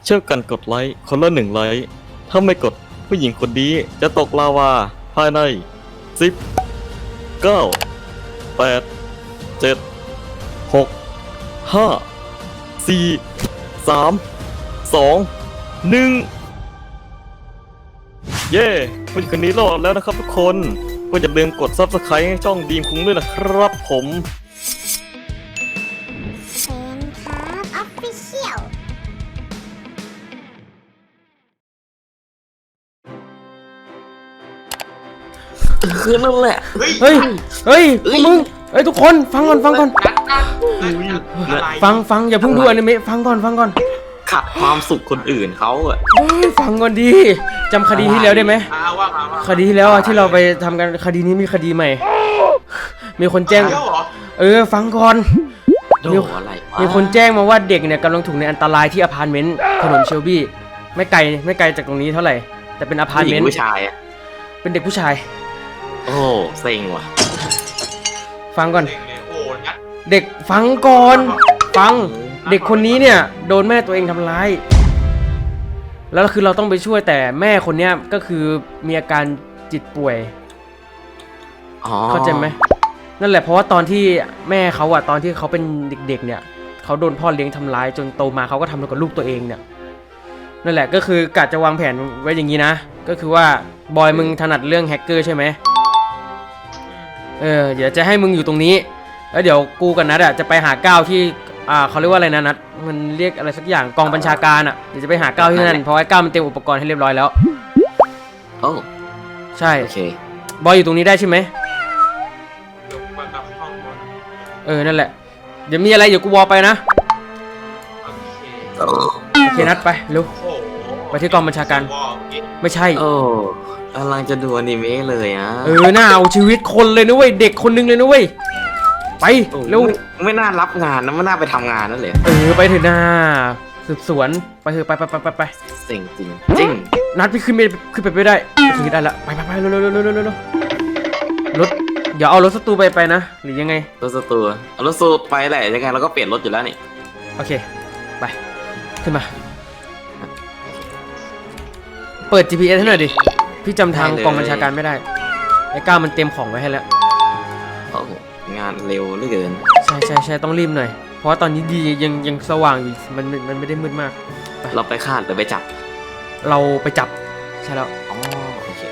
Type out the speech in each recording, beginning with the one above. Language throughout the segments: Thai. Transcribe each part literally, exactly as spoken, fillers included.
เช่วยกันกดไลค์คนละหนึ่งไลค์ถ้าไม่กดผู้หญิงคนนี้จะตกลาวาภายในสิบ เก้า แปด เจ็ด หก ห้า สี่ สาม สอง หนึ่งเย้ผู้หญิงคนนี้รอดแล้วนะครับทุกคนก็อย่าลืมกด ซับสไครบ์ ให้ช่องดีมคุ้งด้วยนะครับผมเชนครับออฟฟิเชียลคือนั่นแหละเฮ้ยเฮ้ย เฮ้ยพวกมึงเฮ้ยทุกคนฟังก่อนฟังก่อนนัดนัดอะไรฟังฟังอย่าเพิ่งดูอนิเมะฟังก่อนฟังก่อนขัดความสุขคนอื่นเขาอะเฮ้ยฟังก่อนดีจำคดีที่แล้วได้ไหมอ่าว่ามาว่าคดีที่แล้วอะที่เราไปทำกันคดีนี้มีคดีใหม่ มีคนแจ้งเอ้าเหรอเออฟังก่อนโดอะไรวะมีคนแจ้งมาว่าเด็กเนี่ยกำลังถูกในอันตรายที่อพาร์ตเมนต์ถนนเชลบี้ไม่ไกลไม่ไกลจากตรงนี้เท่าไหร่แต่เป็นอพาร์ตผู้หเมญินงต์ผู้ชายอะเป็นเด็กผู้ชายโอ้เซ็งว่ะฟังก่อนเด็กเลยโอ้นัดเด็กฟังก่อน ฟังเด็กคนนี้เนี่ยโดนแม่ตัวเองทำร้ายแล้วคือเราต้องไปช่วยแต่แม่คนเนี้ยก็คือมีอาการจิตป่วยอ๋อเข้าใจไหมนั่นแหละเพราะว่าตอนที่แม่เขาอะตอนที่เขาเป็นเด็กๆเนี่ยเขาโดนพ่อเลี้ยงทำร้ายจนโตมาเขาก็ทำกับลูกตัวเองเนี่ยนั่นแหละก็คือกะจะวางแผนไว้อย่างนี้นะก็คือว่าบอยมึงถนัดเรื่องแฮกเกอร์ใช่ไหมเออเดี๋ยวจะให้มึงอยู่ตรงนี้แล้วเดี๋ยวกูกับนัดอะจะไปหาก้าวที่อ่าเขาเรียกว่าอะไรนะนัดมันเรียกอะไรสักอย่างกองบัญชาการอะเดี๋ยวจะไปหาก้าวที่นั่นเพราะไอ้ก้าวมันเตรียมอุปกรณ์ให้เรียบร้อยแล้วโอ้ใช่โอเคบอยอยู่ตรงนี้ได้ใช่ไหมเดี๋ยวมากับห้องบนเออนั่นแหละเดี๋ยวมีอะไรเดี๋ยวกูวอลไปนะโอเคโอ้โอเคนัดไปเร็วโอ้โหไปที่กองบัญชาการวอลเอ๊ะไม่ใช่โอ้กำลังจะดูอนิเมะเลยอะเออน่าเอาชีวิตคนเลยนะเว้ยเด็กคนนึงเลยนะเว้ยไปโอ้เร็วไม่ไม่น่ารับงานนะไม่น่าไปทำงานนั่นเลยเออไปเถอะนาสืบสวนไปเถอะไปไปไปไปไปเซ็งจริงจริงนัดพี่ขึ้นไปขึ้นไปไม่ได้ขึ้นได้ละไปไปไปเร็วเร็วเร็วเร็วเร็วเร็วรถเดี๋ยวเอารถสตูไปไปนะหรือยังไงรถสตูเอารถสตูไปแหละยังไงเราก็เปลี่ยนรถอยู่แล้วนี่โอเคไปขึ้นมาเปิด จี พี เอส ให้หน่อยดิพี่จำทางกองบัญชาการไม่ได้ไอ้ก้าวมันเตรียมของไว้ให้แล้วโอ้โหงานเร็วเหลือเกินใช่ใช่ใช่ต้องรีบหน่อยเพราะว่าตอนนี้ดียังยังสว่างอยู่มันมันมันไม่ได้มืดมากเราไปคาดหรือไปจับเราไปจับใช่แล้วอ๋อโอเค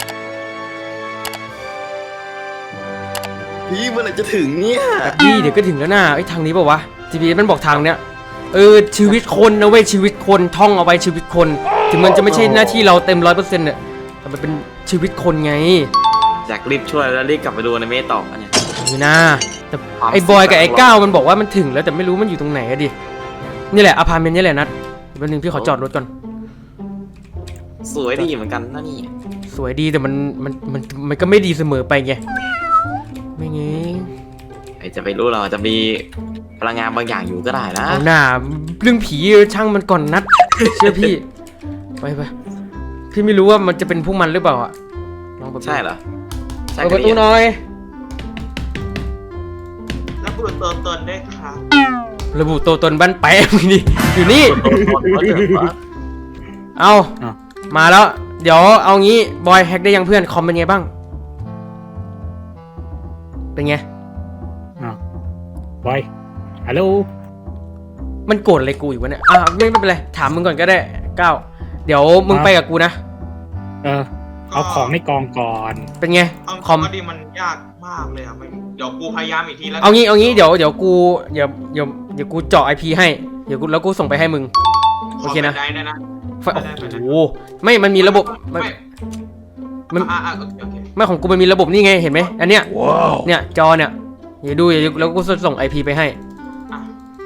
พี่เมื่อไหร่จะถึงเนี่ยพี่เดี๋ยวก็ถึงแล้วนะไอ้ยทางนี้เปล่าวะ จี พี เอส มันบอกทางเนี้ยเออชีวิตคนนะเว้ยชีวิตคนท่องเอาไว้ชีวิตคนถึงมันจะไม่ใช่หน้าที่เราเต็มร้อยเปอร์เซ็นต์เนี่ยแต่มันเป็นชีวิตคนไงอยากรีบช่วยแล้วรีบกลับไปดูอนิเมะต่อเนี่ยนี่นะแต่ความไอ้บอยกับไอ้สุขก้าวมันบอกว่ามันถึงแล้วแต่ไม่รู้มันอยู่ตรงไหนอะดินี่แหละอพาร์ตเมนต์นี่แหละนัดแป๊บนึงพี่ขอจอดรถก่อนสวยดีเหมือนกันนะนี่สวยดีแต่มันมันมันมันก็ไม่ดีเสมอไปไงไม่ไงไอจะไปรู้เราจะมีพลังงานบางอย่างอยู่ก็ได้นะเอาหน้าเรื่องผีช่างมันก่อนนัด เชื่อพี่ไปไปพี่ไม่รู้ว่ามันจะเป็นพวกมันหรือเปล่าอะลองเปิดใช่เหรอใช่เปิดกัประตูหน่อยแล้วกูตัวตนด้วยครับระบุตัวตนบ้านแปะมึงดิอยู่นี่ เอาอ้าวมาแล้ว เดี๋ยวเอางี้บอยแฮกได้ยังเพื่อนคอมเป็นไงบ้าง เป็นไงอ้าวบอยฮัลโหลมันโกรธอะไรกูอยู่วะเนี่ยอ่ะไม่ไม่เป็นไรถามมึงก่อนก็ได้ก้าวเดี๋ยวมึงไปกับกูนะเออ เอาของในกองก่อนเป็นไงเอาคอมก็ดีมันยากมากเลยอ่ะไม่เดี๋ยวกูพยายามอีกทีแล้วเอางี้เอางี้เดี๋ยวเดี๋ยวกูเดี๋ยวเดี๋ยวเดี๋ยวกูเจาะไอพีให้เดี๋ยวกูแล้วกูส่งไปให้มึง โอเคนะได้ได้นะไฟโอ้โหไม่มันมีระบบมันไม่มันอ่าอ่าโอเคโอเคไม่ของกูมันมีระบบนี่ไงเห็นไหมอันเนี้ยเนี่ยจอเนี่ยเดี๋ยวดูเดี๋ยวแล้วกูส่งไอพีไปให้อ่ะ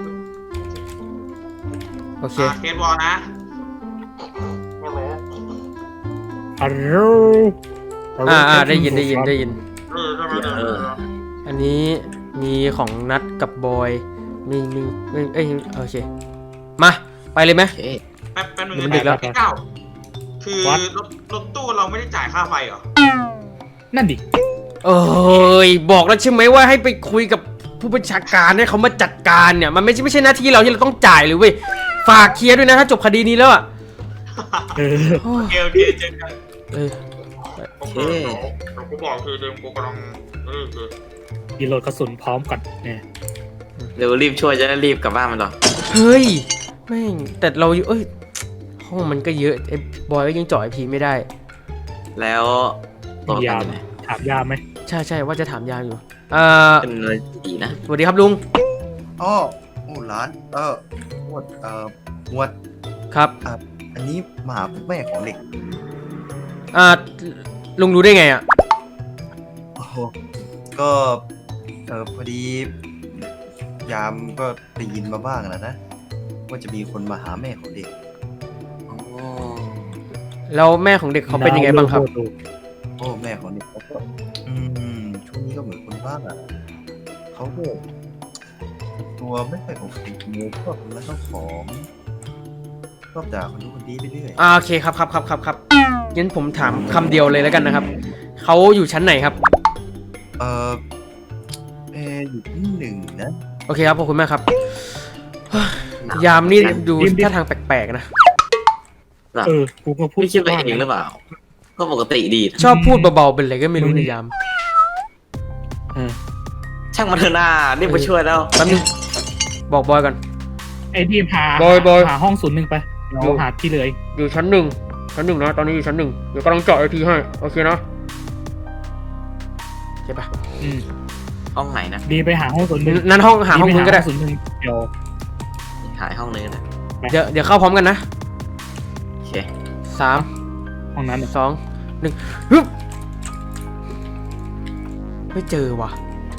โอเคอ่ะเทสบอลนะฮัลโหลอ่าอ่าได้ยินได้ยินได้ยินเออเออเออเอออันนี้มีของนัดกับบอยมีมีเอ้ยเอ้ยโอเคมาไปเลยไหมโอเคแป๊บแป๊บนึงมันดึกแล้วพี่เก้าคือรถรถตู้เราไม่ได้จ่ายค่าไฟเหรอนั่นดิเอ้ยบอกแล้วใช่ไหมว่าให้ไปคุยกับผู้บัญชาการให้เขามาจัดการเนี่ยมันไม่ใช่ไม่ใช่หน้าที่เราที่เราต้องจ่ายเลยเว้ยไฟฝากเคลียร์ด้วยนะถ้าจบคดีนี้แล้วอ่ะเออโอ้โอย เคโอเคเจอกันเออโอเคเดี๋ยวเดี๋ยวกูบอกทีเดิมกูกำลังเออคือรีโหลดกระสุนพร้อมก่อนเนี่ยเร็วรีบช่วยจะได้รีบกลับบ้านมันหรอเฮ้ยแม่งแต่เราอยู่เอ้ยห้องมันก็เยอะไอ้บอยก็ยังจ่อยพีไม่ได้แล้วตัวประยากันมอยู่ไหนถามยามไหมใช่ใช่ว่าจะถามยามอยู่เอ่อเป็นอะไรที่ดีนะสวัสดีครับลุงอ๋อโอ้ร้าน เออหมวดเอ่อหมวดครับอ่ะอันนี้มาหาแม่ของเด็กอ่าลุงรู้ได้ไงอ่ะโอ้โหก็ เออพอดี ยามก็ได้ยินมาบ้างแล้วนะ ว่าจะมีคนมาหาแม่ของเด็กโอ้แล้วแม่ของเด็กเขาเป็นยังไงบ้างครับโอ้แม่ของเด็กเขาก็อืมช่วงนี้ก็เหมือนคนบ้าอ่ะเขาก็ตัวไม่ค่อยโอเคมูชอบแล้วก็ของชอบด่าคนนู้นคนนี้ไปเรื่อยอ่าโอเคครับครับครับครับครับงั้นผมถามคำเดียวเลยแล้วกันนะครับเขาอยู่ชั้นไหนครับเออเอออยู่ที่หนึ่งนะโอเคครับขอบคุณมากครับ ยามนี่ดูท่าทางแปลกๆนะเออกูก็พูดไม่คิดไปเองหรือเปล่า ก็ปกติดีนะชอบพูดเบาๆเป็นอะไรก็ไม่รู้ในยามช่างมันเถอะหน้ารีบมาช่วยแล้วแป๊บนึงบอกบอยก่อนไอ้ดีมหาบอยบอยหาห้องศูนย์หนึ่งไปเดี๋ยวหาที่เลยอยู่ชั้นหนึ่งชั้นหนึ่งนะตอนนี้อยู่ชั้นหนึ่งเดี๋ยวกำลังเจาะไอทีให้โอเคนะโอเคปะอืมห้องไหนนะดีไปหาห้องศูนย์หนึ่งนั้นห้องหาห้องดีคุณไปก็ได้ศูนย์หนึ่งเดี๋ยวหายห้องเลยนะเดี๋ยวเดี๋ยวเข้าพร้อมกันนะโอเคสามห้องนั้นน่ะสองหนึ่งฮึบไม่เจอว่ะ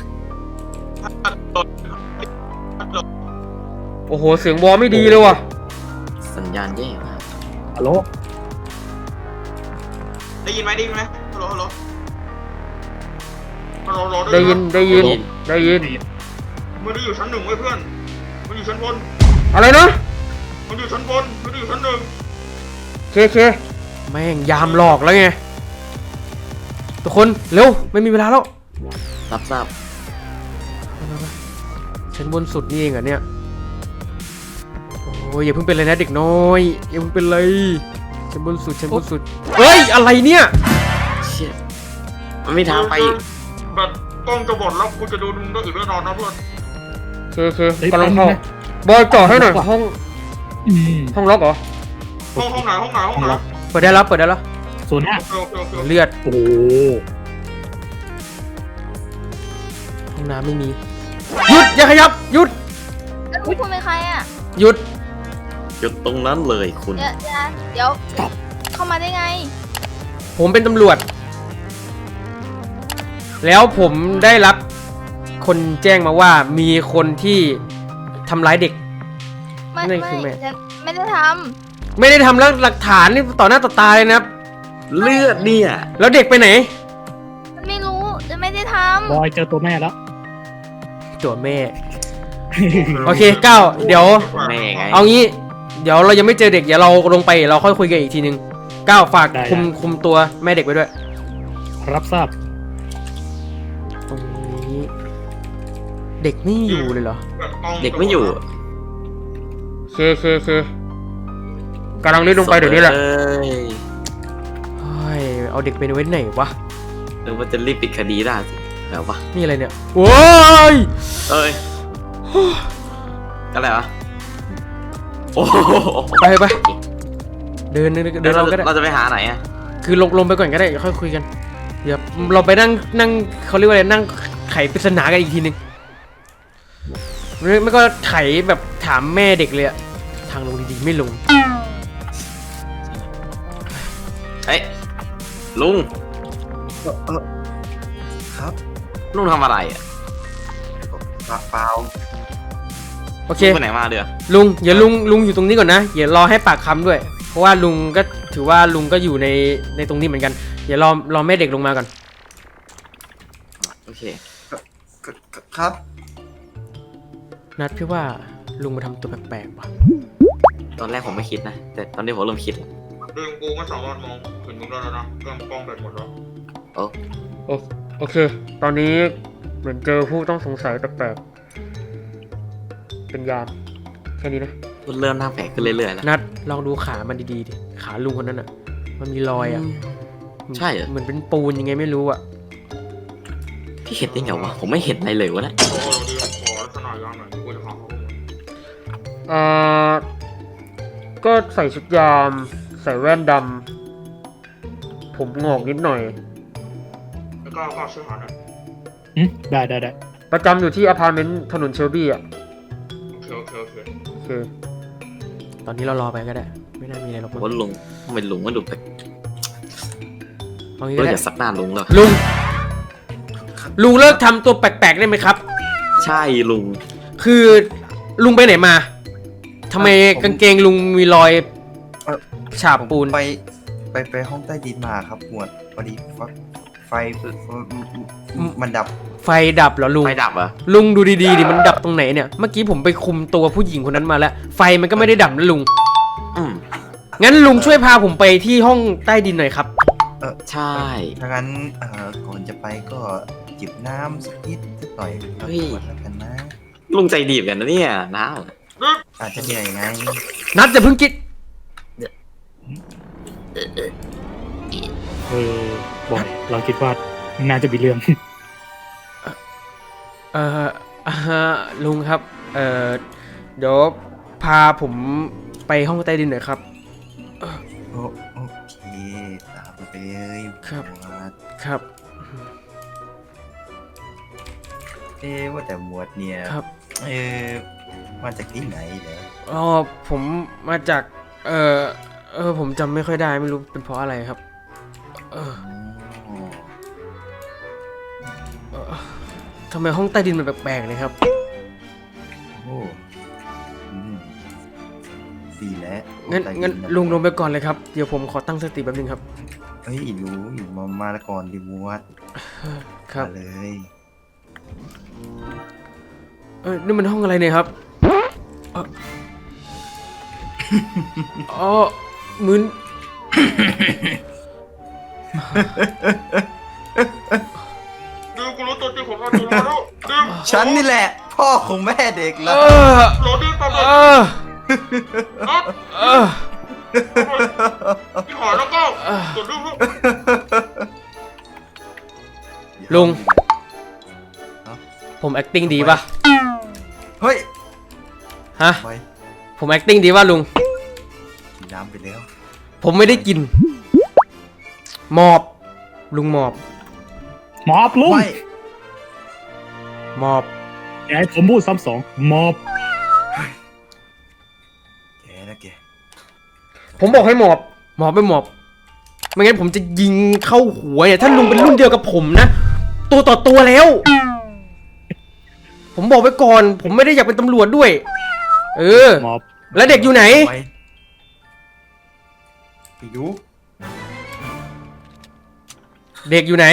โอ้โหเสียงวอลไม่ดีเลยว่ะสัญญาณแย่มากฮัลโหลได้ยินไหมได้ยินไหมฮัลโหลฮัลโหลฮัลโหลฮัลโหลได้ยินได้ยินได้ยินมันได้อยู่ชั้นหนึ่งเว้ยเพื่อนมันอยู่ชั้นบนอะไรนะมันอยู่ชั้นบนมันอยู่ชั้นหนึ่งเคเคแม่งยามหลอกแล้วไงทุกคนเร็วไม่มีเวลาแล้วรับทราบชั้นบนสุดนี่เองเหรอเนี่ยโอ้ยอย่าเพิ่งเป็นเลยนะเด็กน้อยอย่าเพิ่งเป็นเลยชั้นบนสุดชั้นบนสุดเฮ้ยอะไรเนี่ยเชี่ยมันไม่ทางไปอีกแบบกล้องจะบอดแล้วกูจะดูมึงได้อีกแน่นอนนะเพื่อนเคเคกำลังเข้าบอยจ่อให้หน่อยห้องอืมห้องล็อกเหรอห้องห้องไหนห้องไหนห้องไหนเปิดได้แล้วเปิดได้แล้วศูนย์ห้าโอเคโอเคโอเคเลือดโอ้โหห้องน้ำไม่มีหยุดอย่าขยับหยุดแล้วคุณเป็นใครอ่ะหยุดหยุดตรงนั้นเลยคุณเดี๋ยวเดี๋ยวเดี๋ยวเข้ามาได้ไงผมเป็นตำรวจ แล้วผมได้รับคนแจ้งมาว่ามีคนที่ทำร้ายเด็กไม่นั่ไม่นคือแม่ฉันไม่ได้ทไม่ได้ทำแล้วหลักฐานนี่ต่อหน้าต่อตาเลยนะครับเลือดเนี่ยแล้วเด็กไปไหนำฉันไม่รู้ฉันไม่ได้ทบอยเจอตัวแม่แล้วตัวแม่ โอเคเก้าเดี๋ยวแม่ไงเอางี้ เดี๋ยวเรายังไม่เจอเด็กเดี๋ยวเราลงไปเราค่อยคุยกันอีกทีนึงเก้าฝากได้คุมได้คุมตัวแม่เด็กไว้ด้วยรับทราบตรงนี้ เด็กไม่อยู่เลยเหรอแบบล้องเด็กไม่อยู่เคเคเคกำลังรีบลงไปเดี๋ยวนี้แหละเอ้ยเฮ้ยเอาเด็กไปไว้ไหนวะหรือว่าจะรีบปิดคดีได้สิแล้ววะนี่อะไรเนี่ยโว้ยเอ้ยอะไรวะโอ้โหไปไปเดินเดินเดินเราก็ได้เราจะไปหาไหนอะคือลงลงไปก่อนก็ได้เดี๋ยวค่อยคุยกันเดี๋ยวเราไปนั่งนั่งเขาเรียกว่าอะไรนั่งไขปริศนากันอีกทีนึงไม่ไม่ก็ไขแบบถามแม่เด็กเลยอะทางลงดีๆไม่ลงเอ้ยลุงเออเออครับลุงทำอะไรอะเปล่าเปล่าโอเคลุงไปไหนมาเดือลุงอย่าลุงลุงอยู่ตรงนี้ก่อนนะอย่ารอให้ปากคำด้วย เพราะว่าลุงก็ถือว่าลุงก็อยู่ในในตรงนี้เหมือนกันอย่ารอรอแม่เด็กลงมาก่อนโอเคก็ก็ครับนัดพี่ว่าลุงมาทำตัวแปลกๆว่ะตอนแรกผมไม่คิดนะ แต่ตอนนี้ผมเริ่มคิดแล้วเดิมกูไม่สามารถมองเห็นมึงได้แล้วนะกล้องกล้องแบบหมดแล้วโอ้โอโอเค ตอนนี้เหมือนเจอผู้ต้องสงสัยแปลกๆเป็นยามแค่นี้นะโเริ่มหน้าแปลกขึ้นเรื่อยๆแล้วนัดลองดูขามันดีๆดิขาลุงคนนั้นอ่ะ มันมีรอยอ่ะใช่เหรอเหมือนเป็นปูนยังไงไม่รู้อ่ะพี่เห็นได้ไงวะผมไม่เห็นอะไรเลยวะเนะโอ้โหดีขอลักษณะยามหน่อยกูจะขอเขาเอ่อก็ใส่ชุดยาม ใส่แว่นดำผมงอกนิดหน่อยแล้วก็ก็ช่วยหาหน่อยอืมได้ได้ได้ประจำอยู่ที่อพาร์ตเมนต์ถนนเชลบี้อ่ะโอเคโอเคโอเคโอเค ตอนนี้เรารอไปก็ได้ ไม่น่ามีอะไรหรอกมั้งว่าลุงทำไมลุงมันดูแปลกเอางี้เราก็ได้อย่าซักหน้าลุงเลยลุง ลุงเลิกทำตัวแปลกๆได้ไหมครับใช่ลุงคือลุงไปไหนมาทำไมกางเกงลุงมีรอยฉาบปูนไปไปไปห้องใต้ดินมาครับหมวดพอดีไฟไฟมันดับไฟดับเหรอลุงไฟดับเหรอลุงดูดีๆดิมันดับตรงไหนเนี่ย เมื่อกี้ผมไปคุมตัวผู้หญิงคนนั้นมาแล้ว ไฟมันก็ไม่ได้ดับนะลุงอืมงั้นลุงช่วยพาผมไปที่ห้องใต้ดินหน่อยครับใช่ถ้างั้นเอ่อก่อนจะไปก็จิบน้ำสักนิดสักหน่อยแล้วตรวจแล้วกันนะลุงใจดีเหมือนกันนะเนี่ยน้าอาจจะเหนื่อยไงนัดจะเพิ่งคิดเออบอยเราคิดว่าน่าจะมีเรื่องเอ่ออ่าฮะลุงครับ เอ่อ เดี๋ยวพาผมไปห้องใต้ดินหน่อยครับโอโอเคตามไปเลยครับหมวดครับเอ๊ะว่าแต่หมวดเนี่ยครับเออมาจากที่ไหนเหรออ๋อผมมาจาก เอ่อ เออ ผมจำไม่ค่อยได้ไม่รู้เป็นเพราะอะไรครับ เอออ๋อเอ่อทำไมห้องใต้ดินมันแปลกๆเลยครับโอ้อืมดีแล้วงั้นใต้ดิงั้นนะลุงลงไปก่อนเลยครับ เดี๋ยวผมขอตั้งสติแป๊บนึงครับเฮ้ยรู้อยู่มามาละก่อนดิหมวดครับมาเลยเออนี่มันห้องอะไรเนี่ยครับเอ่ออ๋อมึนดิวกูรู้ตัวจริงของมันตัวแล้วดิวฉันนี่แหละ พ่อของแม่เด็กเอแล้วอโหลดิวตามเอมาอนัดเออพี่ขอแล้วก็กดดิวลูกลุง ผม acting ดีป่ะเฮ้ยฮะไปผม acting ดีป่ะลุงกินน้ำไปแล้วผมไม่ได้กิน หมอบ ลุงหมอบมอบลุงไม่หมอบอย่าให้ผมพูดซ้ำสองมอบแกนะแกผมบอกให้หมอบ หมอบไม่หมอบ ไม่งั้นผมจะยิงเข้าหัวเนี่ยถ้าลุงเป็นรุ่นเดียวกับผมนะ ตัวต่อตัวแล้ว ผมบอกไว้ก่อน ผมไม่ได้อยากเป็นตำรวจด้วย เออมอบแล้วเด็กอยู่ไหนไปไปดูเด็กอยู่ไหน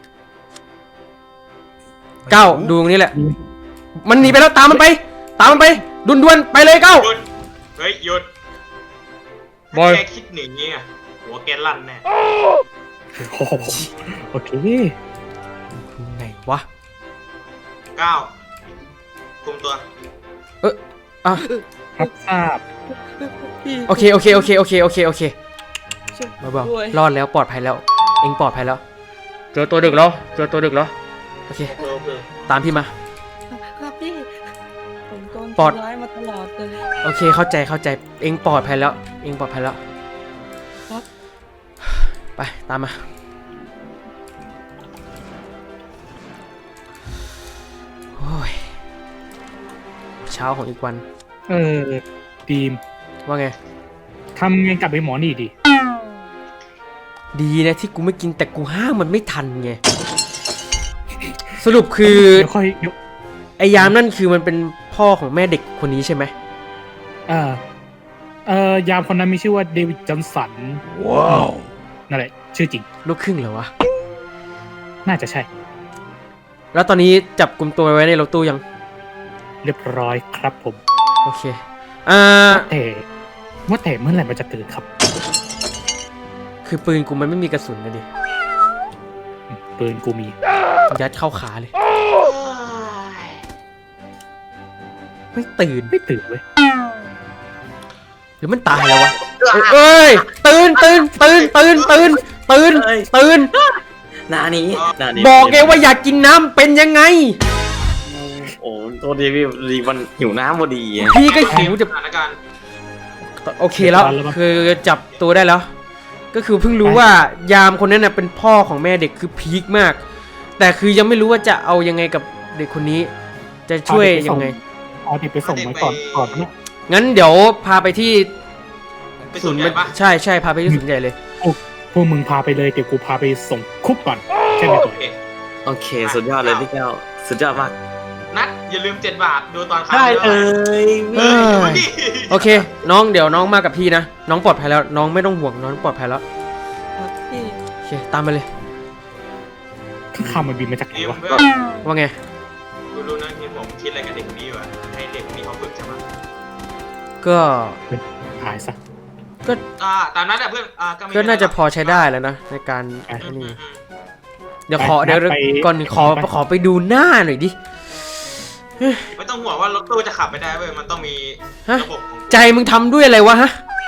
เก้าดูตรงนี้แหละ มันหนีไปแล้วตามมันไป ตามมันไปด่วนๆไปเลยเก้าหยุดเฮ้ยหยุดบอยแกคิดหนีอ่ะหัวแกลั่นแน่โอ้โหโอเคไหนวะเก้าคุมตัวเอออ่ะรับทราบโอเคโอเคโอเคโอเคโอเคโอเคเบาๆรอดแล้วปลอดภัยแล้ว เองปลอดภัยแล้ว เจอตัวดึกแล้วเจอตัวดึกแล้วโอเคโอเคโอเคตามพี่มาครับพี่ ผมโดนปอดทำร้ายมาตลอดเลยโอเคเข้าใจเข้าใจเองปลอดภัยแล้ว เองปลอดภัยแล้วครับไปตามมาโอ้ยเช้าของอีกวันเออดีมว่าไงทำไงกับไอ้หมอนี่ดีดีนะที่กูไม่กินแต่กูห้ามมันไม่ทันไงสรุปคือเดี๋ยวค่อยเดี๋ยวไอ้ยามนั่นคือมันเป็นพ่อของแม่เด็กคนนี้ใช่ไหมเออเออยามคนนั้นมีชื่อว่าเดวิดจอห์นสันว้าวนั่นแหละ ชื่อจริงลูกครึ่งเหรอวะน่าจะใช่แล้วตอนนี้จับกลุ่มตัวไว้ในรถตู้ยังเรียบร้อยครับผมโอเค อ่าแต่ว่าแต่เมื่อไหร่มันจะตื่นครับคือปืนกูมันไม่มีกระสุนนะดิปืนกูมียัดเข้าขาเลย ไม่ตื่นไม่ตื่นเว้ยรือมันตายแล้ววะเอ้ยตื่นตื่นตื่นตื่นตื่นตื่นตื่นหนานี้หนานี้บอกไงว่าอยากกินน้ำเป็นยังไงโอ้โทษทีพี่รีมันหิวน้ำพอดีอะพี่ก็หิวจะสถานการณ์โอเคแล้วคือจับตัวได้แล้ว ก็คือเพิ่งรู้ว่ายามคนนั้นน่ะเป็นพ่อของแม่เด็กคือพีคมาก แต่คือยังไม่รู้ว่าจะเอายังไงกับเด็กคนนี้ จะช่วยยังไงเอาเด็กไปส่งไว้ก่อนก่อนนะงั้นเดี๋ยวพาไปที่เป็นส่วนใหญ่ปะใช่ใช่พาไปที่ศูนย์ใหญ่เลยพวกมึงพาไปเลยเดี๋ยวกูพาไปส่งคุกก่อนใช่ไหมโอตัวเคโอเค สุดยอดเลยพี่แก้วสุดยอดมากนัดอย่าลืมเจ็ดบาทดูตอนค้างได้เลยเออดูดิโอเค น้องเดี๋ยวน้องมากับพี่นะ น้องปลอดภัยแล้ว น้องไม่ต้องห่วงน้องปลอดภัยแล้วครับพี่โอเคตามไปเลยข้าวมันบินมาจากไหนทีมวะเพื่อนว่าไงกูรู้นะทีมผมคิดอะไรกับเด็กคนนี้อยู่อะให้เด็กคนนี้เขาฝึกใช่ไหมก็หายซะอ่าตามนั้นแหละเพื่อนอ่าก็ไม่มีก็น่าจะไรหรพอใช้ได้แล้วนะในการอ่ะอันอืนี้มอืมเดี๋ยวขอไปเดี๋ยวไปก่อนขอไปขอไปดูหน้าหน่อยดิไม่ต้องห่วงว่ารถตู้จะขับไปได้เว้ยมันต้องมีฮะระบบของใจมึงทำด้วยอะไรวะฮะ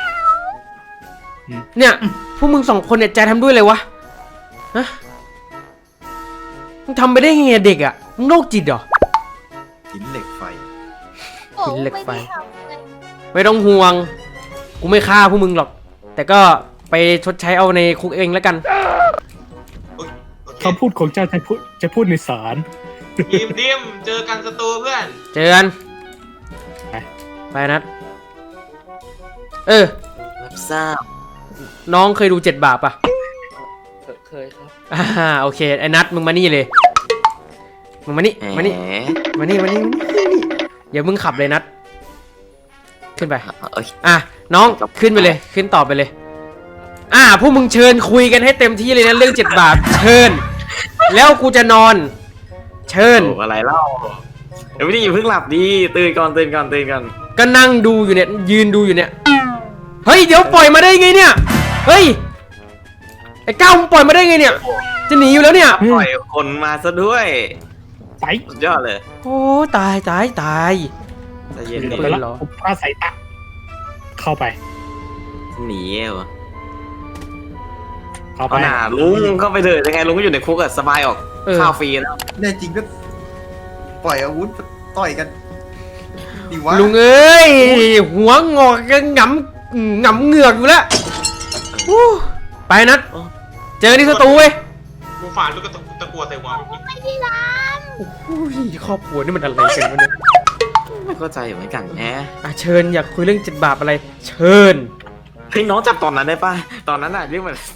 เนี่ยพวกมึงสองคนเนี่ยใจทำด้วยอะไรวะ ฮะ มึงทำไปได้ไงอะเด็กอ่ะ มึงโรคจิตเหรอหินเหล็กไฟโอ้หินเหล็กไฟม่ด้ทำไงไม่ต้องห่วง กูไม่ฆ่าพวกมึงหรอก แต่ก็ไปชดใช้เอาในคุกเองแล้วกันโอเคคำพูดของเจ้าจะพูดจะพูดในศาลทีมทีมเจอกันสตูเพื่อนเจอกันไปไปนัด เออรับทราบน้องเคยดูเจ็ดบาปปะเคยครับอ่าโอเคไอ้นัดมึงมานี่เลย มึงมานี่แหมมานี่ มานี่มานี่มานี่นี่เดี๋ยวมึงขับเลยนัด ขึ้นไปเอ้ยอ่ะน้องขึ้นไปเลย ขึ้นต่อไปเลย อ่าพวกมึงเชิญคุยกันให้เต็มที่เลยนะเรื่องเจ็ดบาปเชิญ แล้วกูจะนอน เชิญโอ้อะไรเล่าเดี๋ยวพี่อย่าเพิ่งหลับดีตื่นก่อนตื่นก่อนตื่นก่อนก็นั่งดูอยู่เนี่ยยืนดูอยู่เนี่ย เฮ้ยเดี๋ยวปล่อยมาได้ไงเนี่ย เฮ้ยไอ้ก้าวมึงปล่อยมาได้ไงเนี่ย จะหนีอยู่แล้วเนี่ยปล่อยคนมาซะด้วยไปสุดยอดเลยโอ้ตายตายตายใจเย็นเดี๋ยวดิไปแล้วผมพาสายตาเข้าไปหนีเหรอเข้าไปเอาหน่าลุงเข้าไปเถอะยังไงลุงก็อยู่ในคุกอะสบายออกเออข้าวฟรีแล้วแน่จริงก็ปล่อยอาวุธต่อยกันดีวะลุงเอ้ยหัวงอกกันหงำหงำเหงือกอยู่แล้วอู้ไปนัดเจอที่สตูเว้ยกูฝ่าลูกกระตะตะกัวใส่หัวเมื่อกี้ไม่ได้ร้านโอ้ยครอบครัวนี่มันอะไรกันวะเนี่ยไม่เข้าใจเหมือนกันแฮะอ่ะเชิญอยากคุยเรื่องเจ็ดบาปอะไร เชิญเฮ้ยน้องจับตอนนั้นได้ป่ะตอนนั้นน่ะเรื่องมัน